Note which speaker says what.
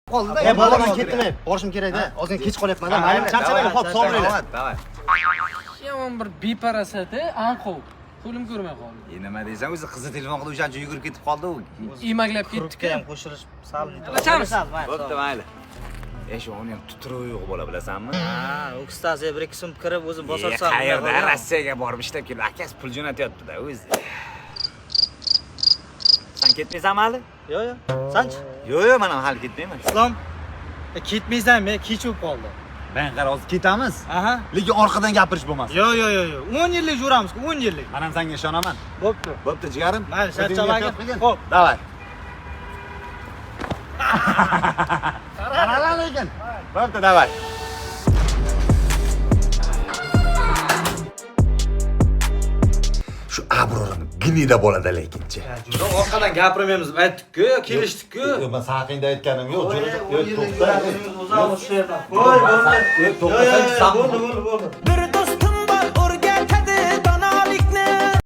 Speaker 1: Qoldi-da.
Speaker 2: Bola men ketdim. Borishim kerak-da. Ozgina kech qolyapman-da. Mayli, charchamayman. Xo'p, sog' bo'linglar.
Speaker 1: Davay.
Speaker 3: Yomon bir beparasati, anqov. Qo'lim ko'rmay qoldi.
Speaker 1: Nima deysan, o'zi qizi telefon qilib o'shancha yugurib ketib qoldi u.
Speaker 3: Emaklab ketdi-ku.
Speaker 2: ham qo'shilish sal
Speaker 3: Ochamiz.
Speaker 1: Bo'pti, mayli. Shu uni ham tuturuv yo'q bola bilasanmi?
Speaker 2: Ha, o'kstaziya bir ikki so'm kirib o'zim bosarsam.
Speaker 1: Qayerda Rossiyaga borib ishlab keldi. Akasi pul jo'natyapti-da o'zi. Sen ketmaysanmi hali?
Speaker 2: Yo'q. Sanchi?
Speaker 1: Yo'q, men ham hali ketmayman.
Speaker 2: Islom, ketmaysanmi? Kech bo'lib qoldi.
Speaker 1: Ben qara hozir ketamiz.
Speaker 2: Aha.
Speaker 1: Lekin orqadan gapirish bo'lmasin.
Speaker 2: Yo'q. 10 yillik yuramiz-ku, 10 yillik.
Speaker 1: Men ham senga ishonaman.
Speaker 2: Bo'pti.
Speaker 1: Bo'pti, jigarim.
Speaker 2: Mayli, charchamagin. Xo'p,
Speaker 1: Davay. Qara lekin. Bo'pti, davay. Shu Abrorim gnida bo'ladi lekinchi.
Speaker 2: orqadan gapirmaymiz, aytdik-ku, kelishdik-ku.
Speaker 1: Yo'q, men saqingda aytganim yo'q.
Speaker 2: To'xta. Qo'y, bo'ldi.
Speaker 1: To'xtasang,
Speaker 2: Bo'ldi.